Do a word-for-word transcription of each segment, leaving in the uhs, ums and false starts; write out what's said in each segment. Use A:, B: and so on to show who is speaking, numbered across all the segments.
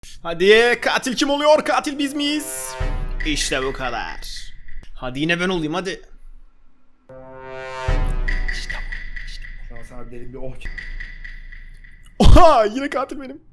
A: Hadi katil kim oluyor? Katil biz miyiz? İşte bu kadar. Hadi yine ben olayım hadi. İşte bu. İşte bu.
B: Şu an sana derin bir oh.
A: Oha yine katil benim.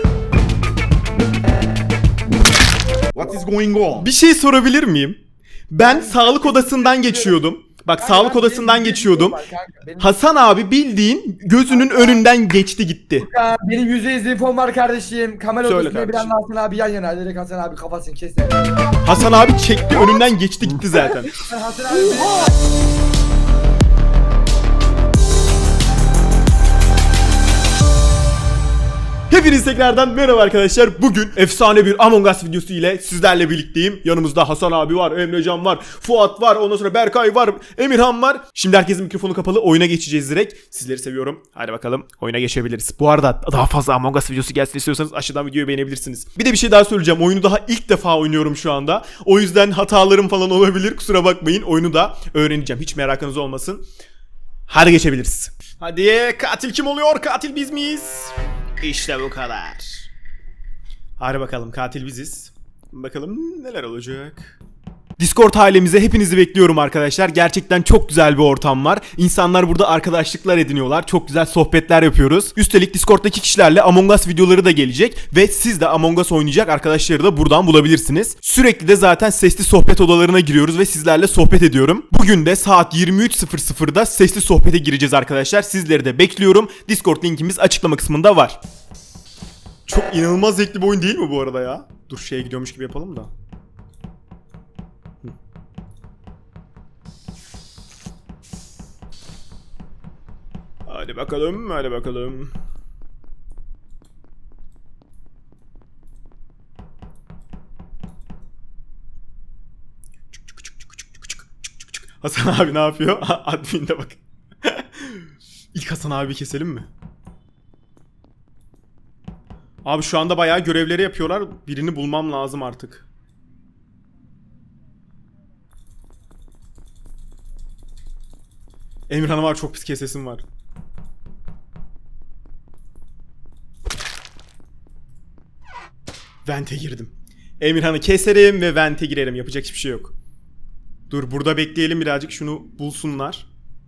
B: What is going on?
A: Bir şey sorabilir miyim? Ben sağlık odasından geçiyordum. Bak sağlık odasından geçiyordum. Hasan abi bildiğin gözünün önünden geçti gitti.
B: Ya, benim yüzde yüz infom var kardeşim. Kamera
A: Söyle
B: odasında bir
A: kardeşim.
B: anda Hasan abi yan yana. Direkt Hasan abi kafasını kes.
A: Hasan abi çekti önünden geçti gitti zaten.
B: Hasan abi
A: Hepiniz tekrardan merhaba arkadaşlar. Bugün efsane bir Among Us videosu ile sizlerle birlikteyim. Yanımızda Hasan abi var, Emrecan var, Fuat var, ondan sonra Berkay var, Emirhan var. Şimdi herkesin mikrofonu kapalı, oyuna geçeceğiz direkt. Sizleri seviyorum. Hadi bakalım oyuna geçebiliriz. Bu arada daha fazla Among Us videosu gelsin istiyorsanız aşağıdan videoyu beğenebilirsiniz. Bir de bir şey daha söyleyeceğim. Oyunu daha ilk defa oynuyorum şu anda. O yüzden hatalarım falan olabilir. Kusura bakmayın. Oyunu da öğreneceğim. Hiç merakınız olmasın. Hadi geçebiliriz. Hadi katil kim oluyor? Katil biz miyiz? İşte bu kadar. Hadi bakalım katil biziz. Bakalım neler olacak. Discord ailemize hepinizi bekliyorum arkadaşlar. Gerçekten çok güzel bir ortam var. İnsanlar burada arkadaşlıklar ediniyorlar. Çok güzel sohbetler yapıyoruz. Üstelik Discord'daki kişilerle Among Us videoları da gelecek. Ve siz de Among Us oynayacak arkadaşları da buradan bulabilirsiniz. Sürekli de zaten sesli sohbet odalarına giriyoruz ve sizlerle sohbet ediyorum. Bugün de saat yirmi üç sıfır sıfırda sesli sohbete gireceğiz arkadaşlar. Sizleri de bekliyorum. Discord linkimiz açıklama kısmında var. Çok inanılmaz zevkli bir oyun değil mi bu arada ya? Dur şeye gidiyormuş gibi yapalım da. Hadi bakalım, hadi bakalım. Hasan abi ne yapıyor? Admin'de bak. İlk Hasan abi keselim mi? Abi şu anda bayağı görevleri yapıyorlar. Birini bulmam lazım artık. Emirhan'a var, çok pis kesesim var. Vente girdim. Emirhan'ı keserim ve vente girerim. Yapacak hiçbir şey yok. Dur burada bekleyelim birazcık, şunu bulsunlar.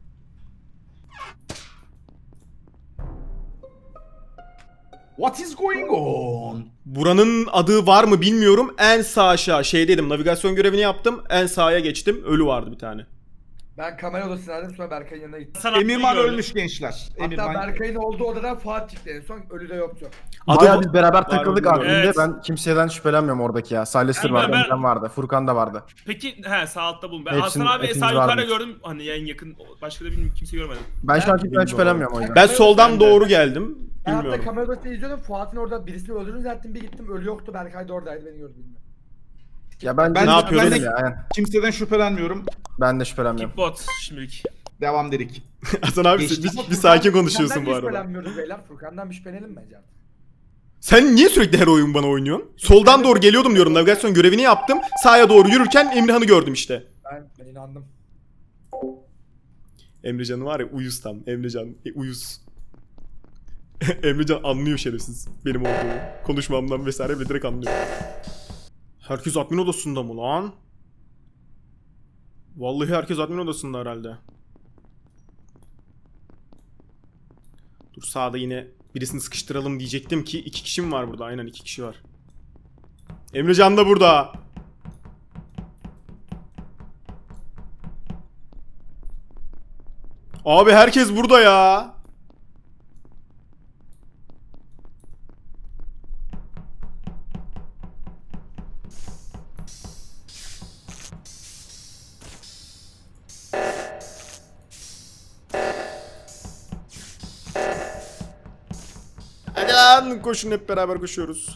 B: What is going on?
A: Buranın adı var mı bilmiyorum. En sağ aşağı şey dedim, navigasyon görevini yaptım. En sağa geçtim. Ölü vardı bir tane.
B: Ben kamera odasındaydım, sonra Berkay'ın yanına gittim.
C: Emirman ölmüş gençler.
B: Hatta
C: Emirman.
B: Berkay'ın olduğu odadan Fuat çıktı en son, ölü de yoktu.
A: Adı
D: Bayağı biz beraber
A: var
D: takıldık
A: mı
D: adminde.
A: bilmiyorum.
E: Evet.
D: Ben kimseden şüphelenmiyorum oradaki ya. Salester
E: Yani
D: vardı,
E: ben-
D: Emrecan vardı, Furkan da vardı.
E: Peki he sağ altta bulun. Ben
D: Hepsinin-
E: Hasan abi
D: hepimiz
E: sağ yukarıda
D: varmış.
E: gördüm. Hani en yakın başka da bilmiyorum, kimse görmedim.
D: Ben şu an kimseden
A: bilmiyorum.
D: şüphelenmiyorum o yüzden.
A: Ben soldan
E: Ben de.
A: doğru geldim.
B: Ben hatta
A: Bilmiyorum.
B: kamera odasında izliyordum, Fuat'ın orada birisini öldürdüğünü zannettim, bir gittim ölü yoktu, Berkay da oradaydı, beni gördü bilmiyorum.
D: Ya ben,
C: Ben-
A: Ne yapıyordun?
D: Ben de, ya, aynen.
C: Kimseden şüphelenmiyorum.
D: Ben de şüphelenmiyorum.
E: Kickbot şimdilik.
C: Devam dedik.
A: Hasan abi
C: Geçti.
A: bir,
B: Ama
A: bir sakin
B: Furkan-
A: konuşuyorsun
B: Furkan'dan
A: bu
B: hiç
A: arada.
B: şüphelenmiyoruz beyler, Furkan'dan bir şüphelenelim bence artık.
A: Sen niye sürekli her oyun bana oynuyorsun? Soldan doğru geliyordum diyorum. Navigasyon görevini yaptım. Sağa doğru yürürken Emirhan'ı gördüm işte.
B: Ben, ben inandım.
A: Emrecan'ı var ya, uyuz tam. Emrecan e, uyuz. Emrecan anlıyor şerefsiz benim olduğumu. Konuşmamdan vesaire ve direkt anlıyor. Herkes admin odasında mı lan? Vallahi herkes admin odasında herhalde. Dur sağda yine birisini sıkıştıralım diyecektim ki iki kişi mi var burada? Aynen iki kişi var. Emrecan da burada. Abi herkes burada ya. Hadi lan koşun, hep beraber koşuyoruz.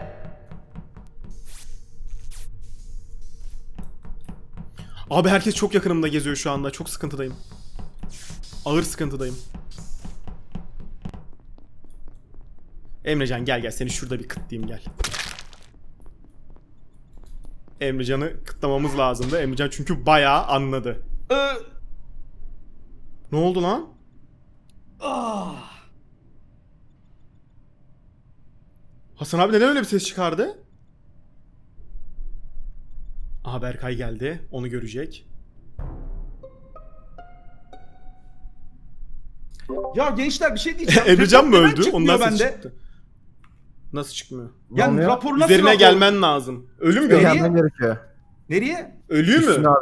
A: Abi herkes çok yakınımda geziyor şu anda. Çok sıkıntıdayım. Ağır sıkıntıdayım. Emrecan gel gel, seni şurada bir kıtlayayım gel. Emrecan'ı kıtlamamız lazımdı. Emrecan çünkü bayağı anladı.
C: Ee,
A: Ne oldu lan?
C: ah.
A: Hasan abi neden öyle bir ses çıkardı? Aha Berkay geldi. Onu görecek.
C: Ya gençler bir şey diyeceğim.
A: Emrecan mı
C: Neden
A: öldü?
C: çıkmıyor
A: Ondan ses
C: bende?
A: çıktı. Nasıl çıkmıyor?
C: Yani
D: Olmuyor.
C: rapor nasıl
A: Üzerine
C: rapor?
A: gelmen lazım. Ölü mü
C: Nereye?
A: gördün?
D: Gelmen gerekiyor.
C: Nereye?
A: Ölüyor
D: Üstüne
A: mu?
D: abi.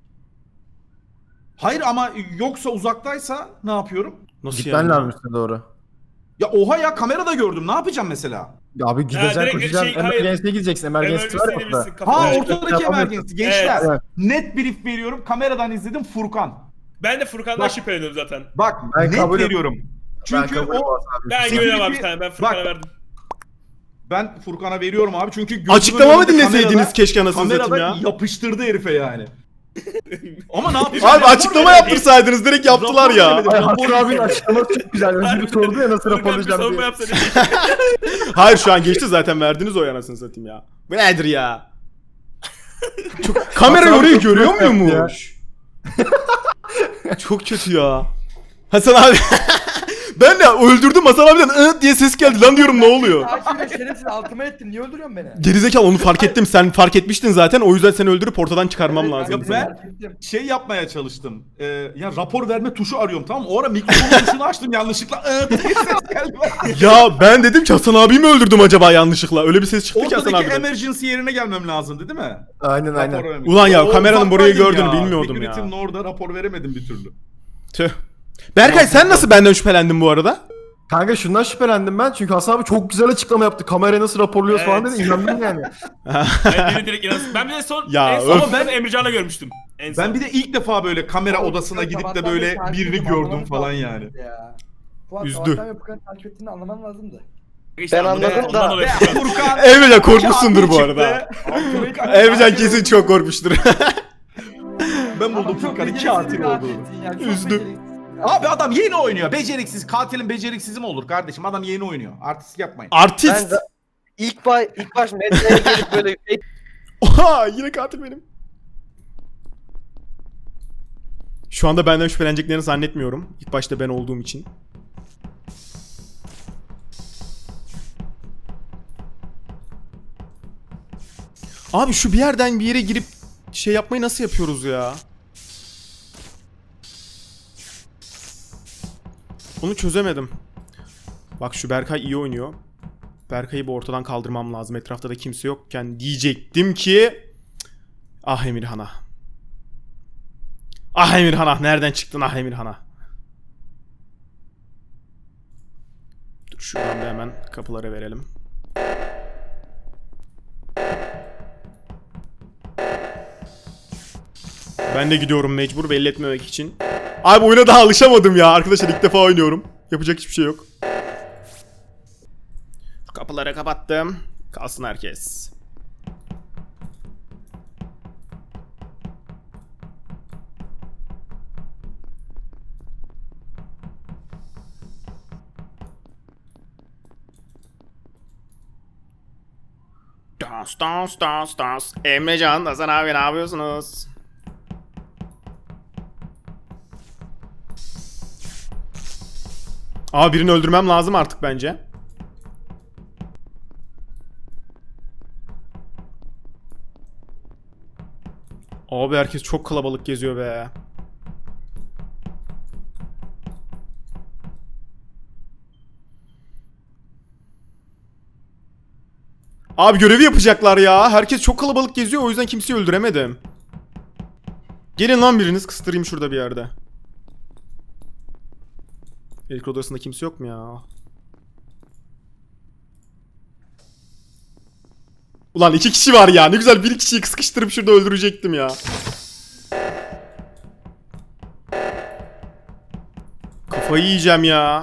C: Hayır ama yoksa uzaktaysa ne yapıyorum?
A: Nasıl
D: Gitmen
A: yani?
D: lazım üstüne doğru.
C: Ya oha ya kamerada gördüm. Ne yapacağım mesela?
D: Ya abi gideceksin
E: direkt
D: koşacaksın.
E: şey, hayır.
D: Emergency'ye gideceksin. Emergency var ya
E: Emergency'ye
D: orada.
E: gidebilirsin,
C: Ha
E: kafana.
D: Evet.
C: ortadaki
D: Yapamıyorsun.
C: emergency. Gençler
D: Evet.
C: net brief veriyorum. Kameradan izledim Furkan.
E: Ben de Furkan'dan
C: Bak.
E: şüpheleniyorum zaten.
C: Bak
D: Ben
C: net
D: kabul-
C: veriyorum.
D: Ben
C: Çünkü
D: kabul
C: o
D: ediyorum abi.
E: Ben
C: Security-
E: güveniyorum abi bir tane. Ben Furkan'a
C: Bak.
E: verdim.
C: ben Furkan'a veriyorum abi. Çünkü gözümün
A: Açıklama mı
C: önünde
A: dinleseydiniz
C: kamerada-
A: keşke anasını
C: kamerada
A: satayım ya?
C: yapıştırdı herife yani. Ama ne yapacağım?
A: Abi
C: Rapor
A: açıklama
C: veremedim.
A: yaptırsaydınız direkt yaptılar
C: Rapor
A: ya.
C: veremedim.
D: Ay
C: Rapor
D: Hasan abinin açıklaması çok güzel. Önce bir sordu ya nasıl
E: Furkan bir
D: raporlayacağım
E: savunma
D: diye.
E: yapsa ne diyecek?
A: Hayır şu an geçti zaten verdiniz o anasını satayım ya. Bu nedir ya? Çok kamera
D: Hasan abi
A: orayı
D: çok
A: görüyor
D: kötü yaptı
A: muymuş? Çok kötü ya. Hasan abi ben de öldürdüm Hasan abiden ıh diye ses geldi lan diyorum ne oluyor?
B: Açıyla şerefsiz altıma ettim. Niye öldürüyorsun beni?
A: Gerizekalı onu fark ettim sen fark etmiştin zaten o yüzden seni öldürüp ortadan çıkarmam
B: Evet,
A: lazım.
C: Ya ben-
B: fark ettim.
C: Şey yapmaya çalıştım. Ee, ya rapor verme tuşu arıyorum tamam mı? O ara mikrofon tuşunu açtım yanlışlıkla. Iı diye ses geldi.
A: Ya ben dedim ki Hasan abiyi mi öldürdüm acaba yanlışlıkla? Öyle bir ses çıktı ki Hasan
C: Ortadaki
A: abiden.
C: emergency yerine gelmem lazımdı değil mi?
D: Aynen
C: Rapor
D: aynen.
C: vermek.
A: Ulan ya,
C: O
A: kameranın burayı
C: uzaktaydım
A: gördüğünü bilmiyordum ya.
C: Security'nin orada rapor veremedim bir türlü.
A: Tüh. Berkay sen nasıl benden şüphelendin bu arada?
D: Kanka şundan şüphelendim ben çünkü Hasan abi çok güzel açıklama yaptı. Kamerayı nasıl raporluyoruz falan
E: Evet.
D: dedi. İnandım yani.
E: Ben beni direkt inansın. Ben bir de son,
A: Ya,
E: en son
A: öf.
E: ama ben Emrecan'la görmüştüm. En son.
C: Ben bir de ilk defa böyle kamera
B: Oğlum,
C: odasına
B: Furkan
C: gidip de
B: sabahtan
C: böyle
B: beri takip
C: birini
B: ediyorum,
C: gördüm
B: anlamanız
C: falan
B: lazım
C: yani.
B: Ya. Fuat
A: Üzdü.
B: sabahtan beri Furkan'ı takip ettiğini anlaman lazımdı.
E: İşte
F: Ben
E: anladım.
F: anladım
E: Ondan
F: da.
E: dolayı
C: Ve
E: Furkan.
C: Furkan
A: Emrecan korkmuşsundur bu
C: çıktı.
A: arada.
B: Furkan-
A: Emrecan kesin çok korkmuştur.
C: Ben
B: Ama
C: buldum
B: çok
C: Furkan'ın
B: beceriksiz
C: katil
B: bir
C: olduğunu.
B: katilsin ya, çok
A: Üzdü.
B: beceriksiz bir katil.
C: Abi adam yeni oynuyor. Beceriksiz. Katilin beceriksizi mi olur kardeşim? Adam yeni oynuyor. Artist yapmayın.
A: Artist.
F: Ben de ilk baş ilk baş medyaya gelip böyle
A: Oha yine katil benim. Şu anda benden şüpheleneceklerini zannetmiyorum. İlk başta ben olduğum için. Abi şu bir yerden bir yere girip şey yapmayı nasıl yapıyoruz ya? Onu çözemedim. Bak şu Berkay iyi oynuyor. Berkay'ı bu ortadan kaldırmam lazım. Etrafta da kimse yokken diyecektim ki... Ah Emirhan'a. Ah Emirhan'a. Nereden çıktın ah Emirhan'a? Dur şuradan da hemen kapılara verelim. Ben de gidiyorum mecbur belli etmemek için. Abi oyuna daha alışamadım ya. Arkadaşlar ilk defa oynuyorum. Yapacak hiçbir şey yok. Kapıları kapattım. Kalsın herkes. Dans dans dans dans. Emrecan, Hasan abi ne yapıyorsunuz? Aa birini öldürmem lazım artık bence. Abi herkes çok kalabalık geziyor be. Abi görevi yapacaklar ya. Herkes çok kalabalık geziyor o yüzden kimseyi öldüremedim. Gelin lan biriniz kıstırayım şurada bir yerde. Elektrik odasında kimse yok mu ya? Ulan iki kişi var ya. Ne güzel bir kişiyi sıkıştırıp şurada öldürecektim ya. Kafayı yiyeceğim ya.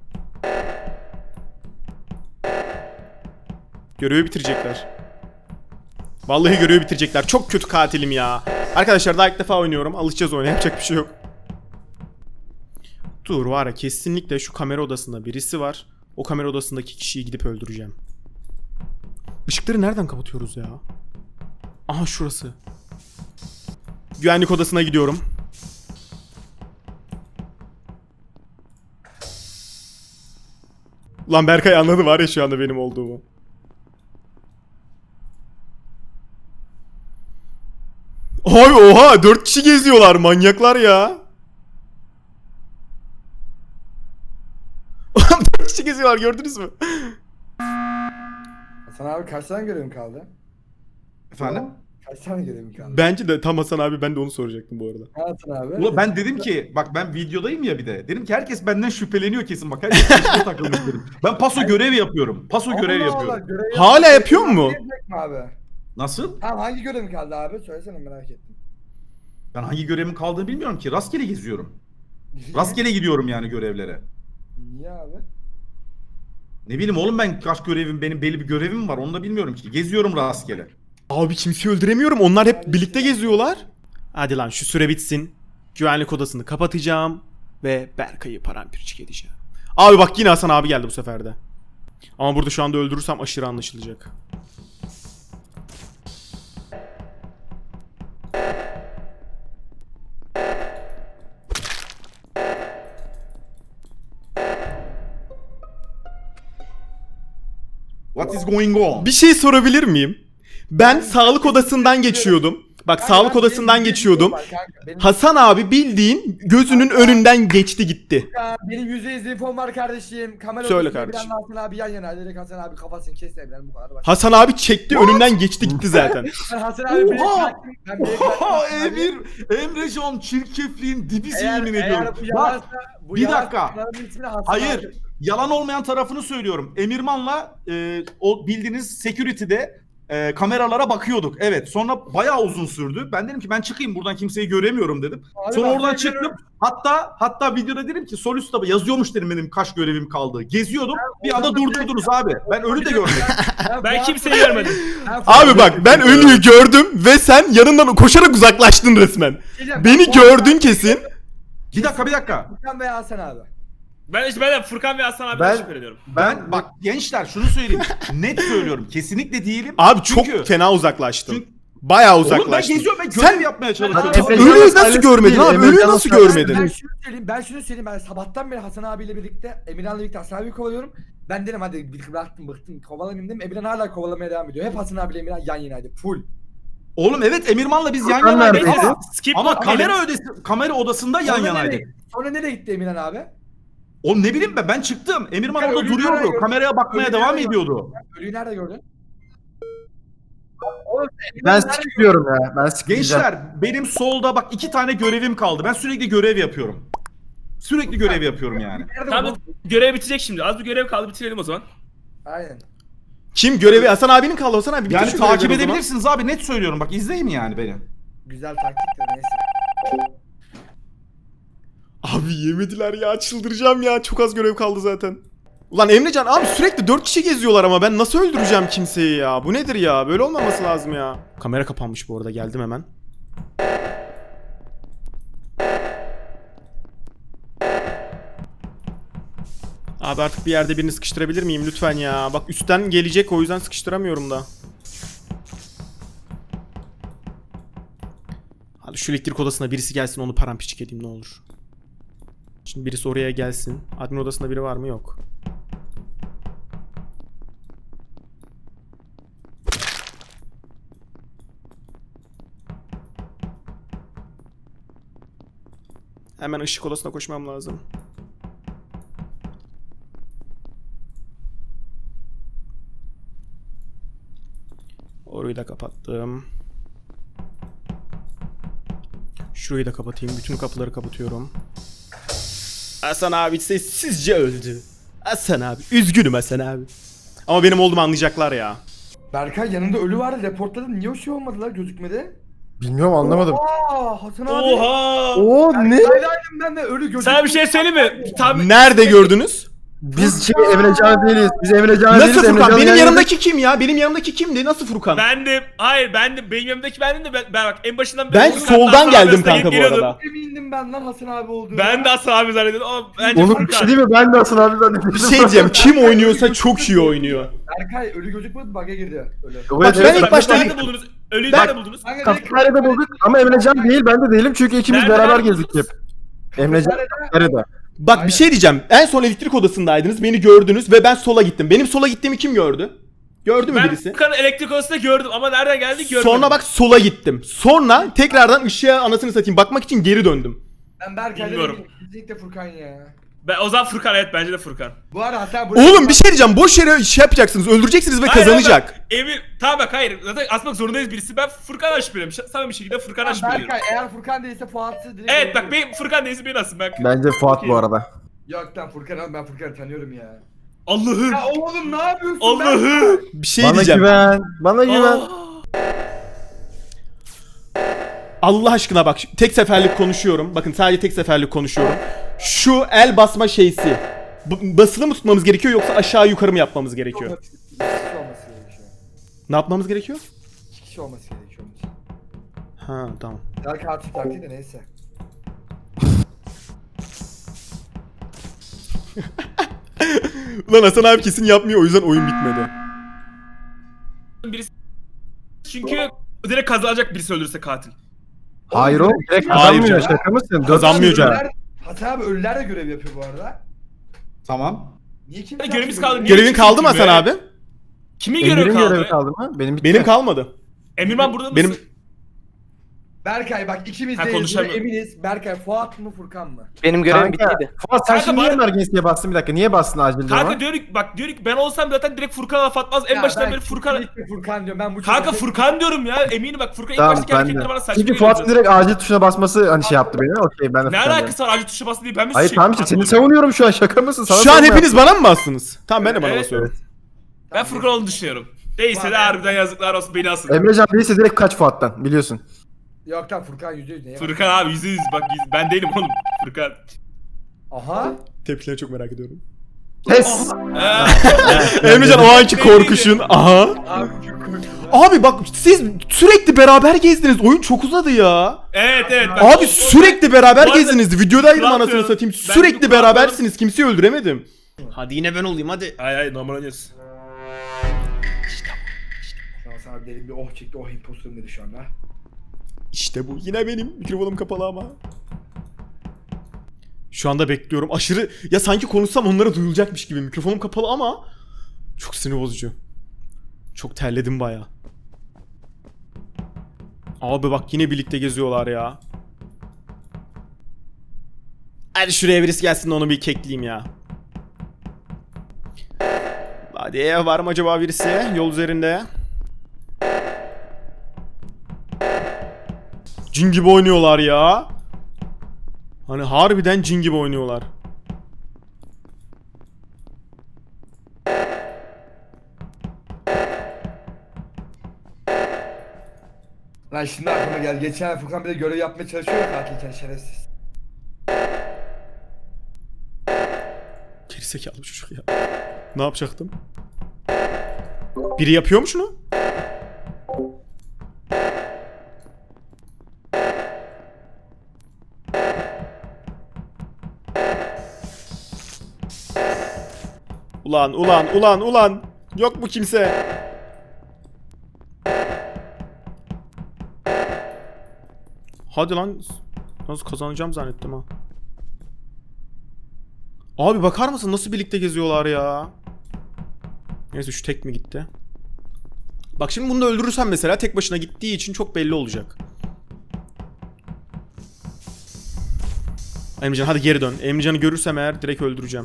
A: Görevi bitirecekler. Vallahi görevi bitirecekler. Çok kötü katilim ya. Arkadaşlar daha ilk defa oynuyorum. Alışacağız oyuna. Yapacak bir şey yok. Dur var ya kesinlikle şu kamera odasında birisi var. O kamera odasındaki kişiyi gidip öldüreceğim. Işıkları nereden kapatıyoruz ya? Aha şurası. Güvenlik odasına gidiyorum. Lan Berkay anladı var ya şu anda benim olduğumu. Ay oha dört kişi geziyorlar manyaklar ya. dört kişi geziyorlar gördünüz mü?
B: Hasan abi kaç tane görevim kaldı?
C: Efendim?
B: Kaç tane görevim kaldı?
A: Bence de tam Hasan abi ben de onu soracaktım bu arada.
B: Hasan abi.
C: Ulan ben dedim ki bak ben videodayım ya bir de. Dedim ki herkes benden şüpheleniyor kesin bak. Herkes peşime takılmış dedim. Ben paso görevi yapıyorum. Paso görevi
B: Allah Allah,
C: yapıyorum.
B: görev
A: Hala
B: yapmak-
A: yapıyor mu?
B: Yapacak mı abi?
C: Nasıl?
B: Tamam hangi görevim kaldı abi? Söylesene merak ettim.
C: Ben hangi görevimin kaldığını bilmiyorum ki. Rastgele geziyorum. Rastgele gidiyorum yani görevlere.
B: Niye abi?
C: Ne bileyim oğlum ben kaç görevim benim belli bir görevim var onu da bilmiyorum ki. Geziyorum rastgele.
A: Abi kimseyi öldüremiyorum. Onlar hep birlikte geziyorlar. Hadi lan şu süre bitsin. Güvenlik odasını kapatacağım. Ve Berkay'ı paramparçık edeceğim. Abi bak yine Hasan abi geldi bu sefer de. Ama burada şu anda öldürürsem aşırı anlaşılacak.
C: What is going on?
A: Bir şey sorabilir miyim? Ben sağlık odasından geçiyordum. Bak
B: Kanka,
A: sağlık
B: benim
A: odasından
B: yüzde
A: geçiyordum.
B: infom var kanka, benim-
A: Hasan abi bildiğin gözünün önünden geçti gitti.
B: Ya, benim yüzde yüz infom var kardeşim. Kamera
A: Söyle
B: odasında
A: kardeşim.
B: bilen Hasan abi yan yana. Direkt Hasan abi kafasını kesmeyebilen bu kadar. Basit.
A: Hasan abi çekti önünden geçti gitti zaten.
B: Ben Hasan abi beni
C: Oha!
B: bıraktım. Ben beni bıraktım.
C: Oha
B: Hasan abi.
C: Emir, Emrecan çirkefliğin dibisi
B: Eğer,
C: yemin
B: eğer
C: ediyorum.
B: bu
C: Bak
B: yalansa, bu
C: bir
B: yalansa
C: dakika.
B: kanalın ismini Hasan
C: hayır
B: abi.
C: yalan olmayan tarafını söylüyorum. Emirman'la e, o bildiğiniz security'de e, kameralara bakıyorduk. Evet sonra bayağı uzun sürdü. Ben dedim ki ben çıkayım buradan kimseyi göremiyorum dedim.
B: Abi
C: Sonra
B: bak,
C: oradan
B: ben
C: çıktım.
B: görüyorum.
C: Hatta hatta videoda dedim ki sol üstte yazıyormuş dedim benim kaç görevim kaldı. Geziyordum. Bir anda
B: oradan
C: durdurdunuz abi. Ben ölü de görmedim.
B: Ben,
E: Ben
B: bu
E: kimseyi
B: hafta-
E: görmedim.
B: Ben-
A: Abi bak ben ölüyü gördüm ve sen yanından koşarak uzaklaştın resmen.
B: Diyeceğim,
A: Beni
B: ben bu
A: gördün
B: hafta-
A: kesin.
C: Bir dakika bir dakika.
B: Furkan veya Hasan abi.
E: Ben işte ben de Furkan ve Hasan abiden
D: Ben-
E: şüphe ediyorum.
C: Ben bak gençler şunu söyleyeyim. Net söylüyorum. Kesinlikle değilim.
A: Abi çok
C: Çünkü-
A: fena uzaklaştın.
C: Çünkü-
A: Bayağı
C: Oğlum ben
A: uzaklaştın.
C: geziyorum ben görev
A: Sen-
C: yapmaya
B: Abi,
C: çalışıyorum.
B: Emre-
A: Ölüyü nasıl
D: Emrecan
A: görmedin
D: değil,
A: abi?
D: Emrecan
A: Ölüyü nasıl
D: Sayın-
A: görmedin?
B: Ben şunu söyleyeyim, ben şunu söyleyeyim. Ben sabahtan beri Hasan abiyle birlikte, Emirhan'la birlikte Hasan abiyi kovalıyorum. Ben dedim hadi bir bıraktım bıktım kovalamayayım dedim. Emirhan hala kovalamaya devam ediyor. Hep Hasan abiyle Emirhan yan yanaydı. Full.
C: Oğlum evet Emirman'la biz yan
D: Furkan
C: yanaydık
D: neredeydi?
C: ama,
E: Skip
C: ama
E: not
C: kamera
E: diyelim.
C: ödesi, kamera odasında yan
B: Sonra
C: yanaydık.
B: nereye- Sonra nereye gitti Emirhan abi?
C: Oğlum ne bileyim ben ben çıktım. Emirman
B: Ya
C: orada
B: ölüyü
C: duruyordu.
B: nerede
C: Kameraya bakmaya
B: Ölüyü
C: devam
B: nerede
C: ediyordu.
B: Ölüyü nerede gördün? Oğlum,
D: Ben
B: Emirhan nerede
D: skipliyorum ya. Ben skipleyeceğim.
C: Gençler benim solda bak iki tane görevim kaldı. Ben sürekli görev yapıyorum. Sürekli görev yapıyorum yani.
B: Nerede
E: Tamam
B: bu?
E: görev bitecek şimdi. Az bir görev kaldı bitirelim o zaman.
B: Aynen.
A: Kim görevi? Hasan abinin kaldı. Hasan abi bitir
C: Yani
A: şu görevleri
C: takip
A: o zaman.
C: edebilirsiniz abi net söylüyorum. Bak izleyin yani beni.
B: Güzel taktik de neyse.
A: Abi yemediler ya çıldıracağım ya. Çok az görev kaldı zaten. Ulan Emrecan abi sürekli dört kişi geziyorlar ama ben nasıl öldüreceğim kimseyi ya? Bu nedir ya? Böyle olmaması lazım ya. Kamera kapanmış bu arada geldim hemen. Abi artık bir yerde birini sıkıştırabilir miyim lütfen ya? Bak üstten gelecek o yüzden sıkıştıramıyorum da. Hadi şu elektrik odasına birisi gelsin onu paramparçık edeyim ne olur. Şimdi birisi oraya gelsin. Admin odasında biri var mı? Yok. Hemen ışık odasına koşmam lazım. Orayı da kapattım. Şurayı da kapatayım. Bütün kapıları kapatıyorum. Hasan abi sessizce öldü. Hasan abi. Üzgünüm Hasan abi. Ama benim olduğumu anlayacaklar ya.
B: Berkay yanında ölü vardı. Reportladım. Niye o şey olmadılar gözükmedi?
D: Bilmiyorum anlamadım.
B: Aa Hasan abi.
E: Oha!
D: Oo ne?
B: Berkay'daydım ben de ölü gözükmedi.
E: Sana bir şey söyleyeyim mi? Tabii.
A: Nerede gördünüz?
D: Biz şey Emrecan değiliz. Biz Emrecan değiliz.
A: Nasıl Furkan?
D: Emrecan'ın
A: Benim
D: yanında-
A: yanımdaki kim ya? Benim yanımdaki kimdi? Nasıl Furkan?
E: Ben de hayır ben de benim yanımdaki bendim de ben, ben bak en başından
A: Ben
E: Furkan
A: soldan
E: Hasan
A: geldim
E: arasında
A: kanka bu
E: geliyordum.
A: arada.
B: Emindim ben lan Hasan abi olduğunu.
E: Ben de Hasan abi zannediyordum ama bence
D: Oğlum bir
E: Furkan.
D: şey değil mi? Ben de Hasan abi zannediyorum.
A: Bir şey diyeceğim. Kim oynuyorsa çok iyi oynuyor.
B: Berkay ölü gözükmedi bug'a girdi. Ölü.
D: Evet,
A: Bak, ben
D: evet,
A: ilk
D: ben-
A: başta-
E: Nerede buldunuz? Ölüyü
A: Ben-
E: nerede buldunuz?
B: Kanka,
D: Kafeteryada bulduk ama Emrecan değil ben de değilim çünkü ikimiz
E: Nerede
D: beraber
E: buldunuz?
D: gezdik hep. Emrecan kafeteryada.
A: Bak
B: Aynen.
A: bir şey diyeceğim. En son elektrik odasındaydınız. Beni gördünüz ve ben sola gittim. Benim sola gittiğimi kim gördü? Gördü mü
E: Ben
A: birisi?
E: Furkan'ı elektrik odasında gördüm ama nereden geldi görmedim.
A: Sonra bak sola gittim. Sonra tekrardan ışığa anasını satayım bakmak için geri döndüm.
B: Ben Berkay'da
E: Bilmiyorum.
B: değilim. Kesinlikle Furkan ya.
E: Ben, o zaman Furkan, evet bence de Furkan.
B: Bu arada hatta bu...
A: Oğlum bir şey diyeceğim. Boş yere şey yapacaksınız. Öldüreceksiniz ve
E: Hayır,
A: kazanacak.
E: bak, Emir, tamam bak hayır. Zaten asmak zorundayız birisi. Ben Furkan'dan şüpheliyim. Samimi bir şekilde Furkan'dan
B: Lan
E: şüpheliyim.
B: Berkay eğer Furkan değilse Fuat'sı direkt...
E: Evet bak
B: öldürürüm.
E: benim Furkan değilse beni asın bak.
D: Bence Fuat bu arada.
B: Yok lan Furkan abi ben Furkan'ı tanıyorum ya.
E: Allah'ım.
B: Ya oğlum ne yapıyorsun
E: Allah'ım.
A: Bir şey
D: Bana
A: diyeceğim.
D: güven. Bana güven.
E: Aa.
A: Allah aşkına bak tek seferlik konuşuyorum. Bakın sadece tek seferlik konuşuyorum. Şu el basma şeysi. B- basılı mı tutmamız gerekiyor yoksa aşağı yukarı mı yapmamız gerekiyor?
B: İki kişi olması gerekiyor.
A: Ne yapmamız gerekiyor?
B: İki kişi olması gerekiyor onun için.
A: Ha tamam.
B: Daha katil taktiği de neyse.
A: Lan Hasan abi kesin yapmıyor o yüzden oyun bitmedi.
E: Birisi... Çünkü direkt kazanacak birisi öldürse katil.
D: Hayır oğlum direkt
A: Hayır
D: kazanmıyor.
A: canım.
D: Şaka mısın? Dört
A: Kazanmıyor
D: kişi-
A: canım.
B: Ölüler- Hasan abi ölüler de görev yapıyor bu arada.
C: Tamam.
B: Niye kim?
E: Hadi görevimiz kaldı. Niye
A: Görevin
E: kimse
A: kaldı mı
E: kim
A: Hasan
E: be?
A: abi?
E: Kimin görevi
D: Emir'in
E: kaldı?
D: görevi kaldı mı? Benim bitti.
A: Benim kalmadı.
E: Emirman burada mısın?
A: Benim
B: Berkay bak ikimiz
E: Ha,
B: de
E: konuşamıyorum.
B: eminiz. Berkay Fuat mı Furkan mı?
F: Benim görevim
D: Kanka,
F: bittiydi.
D: Fuat sen
E: Kanka
D: şimdi niye
E: bari-
D: emergency'ye bastın bir dakika? Niye bastın acil duruma?
E: Kanka diyor ki bak diyor ki ben olsam zaten direkt Furkan'a laf atmaz. En
B: Ya
E: başından
B: ben
E: beri Furkan...
B: kesinlikle Furkan diyorum ben bu
E: Kanka
B: çocuğa-
E: Furkan diyorum ya. Eminim bak Furkan ilk
D: Tamam
E: baştaki
D: ben de.
E: hareketleri bana saçma
D: Çünkü Fuat'ın
E: geliyor.
D: direkt acil tuşuna basması hani şey yaptı beni. Okey ben de
E: Ne
D: Furkan'dayım.
E: alakası var acil tuşa bastı diye ben mi
D: Hayır
E: suçayım?
D: tamam işte seni
E: Anladım.
D: savunuyorum şu an şaka mısın? Sana
A: şu an
D: savunma
A: hepiniz bana mı bastınız? Tamam ben de bana
E: Evet,
A: basıyorum.
E: Ben Furkan olduğunu düşünüyorum. Değilse de harbiden yazıklar olsun beni asın.
D: yaptım. Emrecan değilse direkt kaç Fuat'tan biliyorsun.
B: Yok lan Furkan yüzde yüz neye bak.
E: Furkan abi yüzde yüz bak yüz- ben değilim oğlum. Furkan.
B: Aha.
A: Tepkileri çok merak ediyorum.
D: Pes.
E: Ee,
A: Emrecan o anki korkuşun. Aha.
B: Abi çok korktum.
A: Abi bak siz sürekli beraber gezdiniz. Oyun çok uzadı ya.
E: evet evet. bak,
A: Abi
E: o- o-
A: sürekli beraber
E: Bu arada-
A: gezdiniz. Videodaydım
E: Kral
A: anasını
E: diyorum.
A: satayım.
E: Ben
A: Sürekli
E: bu-
A: berabersiniz. Kimseyi öldüremedim. Hadi yine ben olayım hadi.
E: Ay ay normal oynuyoruz.
B: Şu an sana derin bir oh çekti oh imposterim dedi şu anda.
A: İşte bu. Yine benim. Mikrofonum kapalı ama. Şu anda bekliyorum. Aşırı... Ya sanki konuşsam onlara duyulacakmış gibi. Mikrofonum kapalı ama... Çok sinir bozucu. Çok terledim baya. Abi bak yine birlikte geziyorlar ya. Hadi şuraya birisi gelsin de onu bir kekleyeyim ya. Hadi var mı acaba birisi yol üzerinde? Cin gibi oynuyorlar ya. Hani harbiden cin gibi oynuyorlar.
B: Lan şimdi aklıma geldi. Geçen ay Furkan bir de görev yapmaya çalışıyor ya katilken şerefsiz.
A: Gerizekalı çocuk ya. Ne yapacaktım? Biri yapıyor mu şunu? Ulan ulan ulan ulan. Yok mu kimse? Hadi lan. Nasıl kazanacağım zannettim ha. Abi bakar mısın nasıl birlikte geziyorlar ya? Neyse şu tek mi gitti? Bak şimdi bunu da öldürürsem mesela tek başına gittiği için çok belli olacak. Emrecan hadi geri dön. Emrecan'ı görürsem eğer direkt öldüreceğim.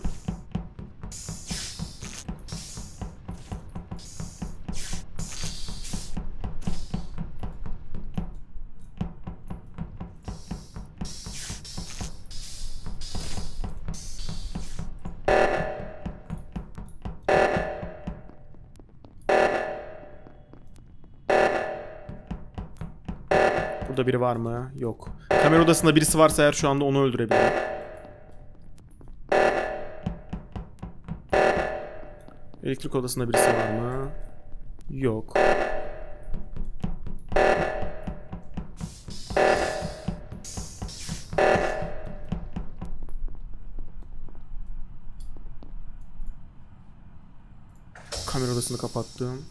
A: Burada biri var mı? Yok. Kamera odasında birisi varsa eğer şu anda onu öldürebilirim. Elektrik odasında birisi var mı? Yok. Kamera odasını kapattım.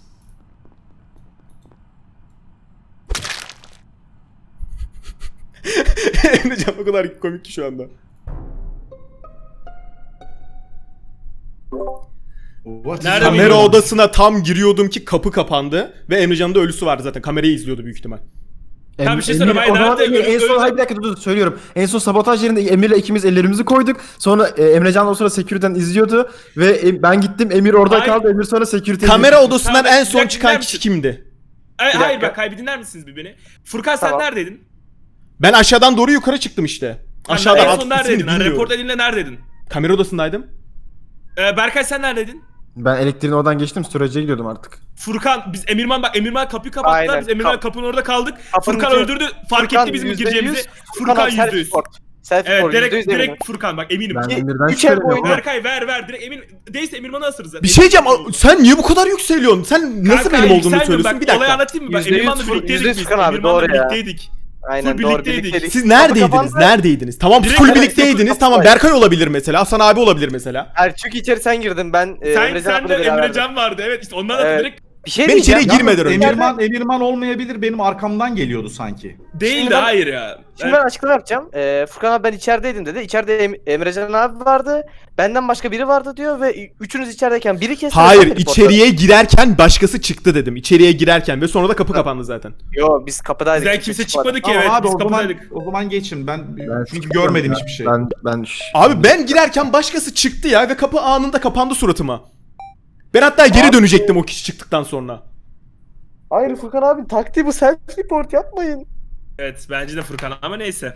A: Emrecan o kadar komik ki şu anda.
C: Bu What
E: Nerede
C: is
A: Kamera
E: bilmiyorum.
A: odasına tam giriyordum ki kapı kapandı ve Emrecan'ın da ölüsü vardı zaten. Kamerayı izliyordu büyük ihtimal.
E: Tamam, bir şey
D: Emir-
E: söyleyeyim, hayır,
D: o zaman
E: nerede-
D: Emir, en son
E: öyle-
D: hayır bir dakika dur, dur söylüyorum. En son sabotaj yerinde Emir'le ikimiz ellerimizi koyduk. Sonra e, Emrecan o sırada security'den izliyordu ve e, ben gittim, Emir orada
E: Hayır.
D: kaldı. Emir sonra security'ye
A: Kamera
D: gitti.
A: odasından
E: Tamam,
A: en
E: bir
A: son
E: dakika,
A: çıkan
E: dinler
A: kişi
E: misin?
A: kimdi?
E: Ay,
F: Bir
E: hayır
F: dakika.
E: bak hayır bir dinler misiniz bir beni? Furkan sen
F: Tamam.
E: neredeydin?
A: Ben aşağıdan doğru yukarı çıktım işte.
E: Sen
A: Aşağıda
E: en
A: alt
E: son
A: ismini
E: neredeydin? Hani
A: bilmiyorum.
E: report edildiğinde neredeydin?
A: Kamera odasındaydım.
E: Ee, Berkay sen neredeydin?
D: Ben elektriğin oradan geçtim, storage'e gidiyordum artık.
E: Furkan biz Emirman bak Emirman kapıyı kapattılar
F: Aynen.
E: biz Emirman
F: Kap-
E: kapının orada kaldık.
F: Kapının
E: Furkan
F: içine-
E: öldürdü fark
F: Furkan
E: etti bizim
F: yüzde
E: gireceğimizi.
F: yüz,
E: Furkan
F: abi,
E: yüzde yüz.
F: self-report. Self
E: Evet
F: report,
E: direkt
F: yüzde yüz eminim.
E: direkt Furkan bak eminim.
D: Ben
F: İki-
D: Emir'den
F: üç el
D: şüpheleniyorum.
F: boyunca-
E: Berkay ver ver direkt emin değilse Emirman'ı asırız.
A: Bir şey diyeceğim. a- Sen niye bu kadar yükseliyorsun? Sen nasıl
E: Kanka,
A: benim olduğumu
E: yükselmiyorum.
A: söylüyorsun?
E: Bak,
A: Bir dakika.
E: Olayı anlatayım mı? Ben
F: Yüzde yüz
E: Emirman'la
F: Fur-
E: birlikteydik
F: yüzde yüz
E: biz.
F: Furkan abi,
E: Emirman'la
F: doğru ya.
E: birlikteydik.
F: Aynen
E: Full
F: doğru
E: birlikteydik.
F: birlikteydik.
A: Siz
F: Kapı
A: neredeydiniz?
F: kapandı.
A: Neredeydiniz? Tamam
E: Direkt
A: full
F: evet,
A: birlikteydiniz.
F: kapı
A: Tamam
F: kapandı.
A: Berkay olabilir mesela. Hasan abi olabilir mesela.
F: Hayır çünkü içeri sen girdin ben e,
E: Sen
F: Emrecan
E: sen de
F: abiyle beraberdim.
E: Emrecan vardı evet işte ondan da
F: Evet.
E: direkt
F: Bir şey
A: Ben
F: diyeceğim.
A: içeri girmeden önce.
C: Emirman, Emirman olmayabilir, benim arkamdan geliyordu sanki.
E: değildi
F: ben-
E: hayır ya.
F: Şimdi ben açıklama yapacağım. Ee, Furkan abi ben içerideydim dedi. İçeride em Emrecan abi vardı. Benden başka biri vardı diyor ve üçünüz içerideyken biri kesti.
A: Hayır,
F: ben de reportladım.
A: içeriye girerken başkası çıktı dedim. İçeriye girerken ve sonra da kapı kapandı zaten.
F: Yo biz kapıdaydık.
E: Bizden kimse çıkmadı ki
C: Tamam
E: evet
C: abi
E: biz
C: o zaman,
E: kapıdaydık.
C: o zaman geçin. Ben,
D: Ben
C: çünkü
D: çıkıyorum
C: görmedim
D: ben.
C: hiçbir şey.
D: Ben ben şş-
A: Abi ben girerken başkası çıktı ya ve kapı anında kapandı suratıma. Ben hatta geri
F: Abi-
A: dönecektim o kişi çıktıktan sonra.
F: Hayır Furkan abi taktiği bu self report yapmayın.
E: Evet bence de Furkan ama neyse.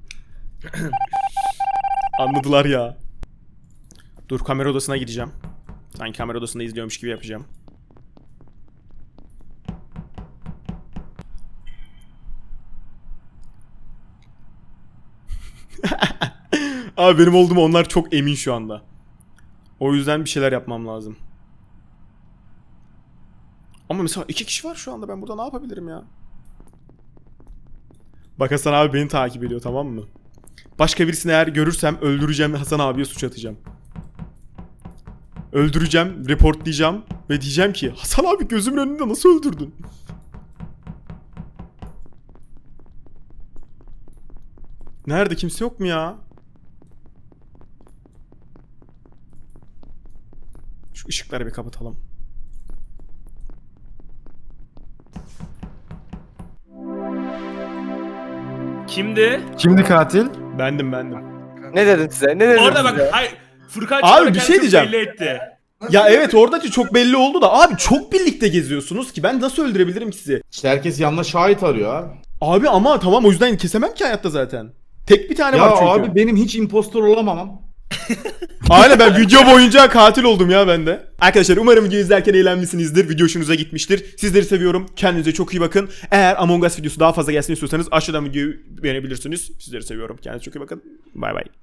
A: Anladılar ya. Dur kamera odasına gideceğim. Sanki kamera odasında izliyormuş gibi yapacağım. Abi benim olduğuma onlar çok emin şu anda. O yüzden bir şeyler yapmam lazım. Ama mesela iki kişi var şu anda, ben burada ne yapabilirim ya? Bak Hasan abi beni takip ediyor, tamam mı? Başka birisini eğer görürsem öldüreceğim ve Hasan abiye suç atacağım. Öldüreceğim, reportlayacağım ve diyeceğim ki Hasan abi gözümün önünde nasıl öldürdün? Nerede, kimse yok mu ya? Şu ışıkları bir kapatalım.
E: Kimdi?
D: Kimdi katil?
A: Bendim bendim.
F: Ne dedim size? Ne dedim
E: Orada
F: size?
E: bak hayır. Furkan
A: Abi,
E: çıkarak
A: bir şey
E: kendini
A: diyeceğim.
E: belli etti.
A: Ya evet oradaki çok belli oldu da abi çok birlikte geziyorsunuz ki ben nasıl öldürebilirim ki sizi?
C: İşte herkes yanına şahit arıyor abi.
A: Abi ama tamam o yüzden kesemem ki hayatta zaten. Tek bir tane
C: Ya
A: var çünkü.
C: abi benim hiç impostor olamamam.
A: Aynen ben video boyunca katil oldum ya ben de. Arkadaşlar umarım videoyu izlerken eğlenmişsinizdir. Video hoşunuza gitmiştir. Sizleri seviyorum. Kendinize çok iyi bakın. Eğer Among Us videosu daha fazla gelsin istiyorsanız aşağıdan videoyu beğenebilirsiniz. Sizleri seviyorum. Kendinize çok iyi bakın. Bay bay.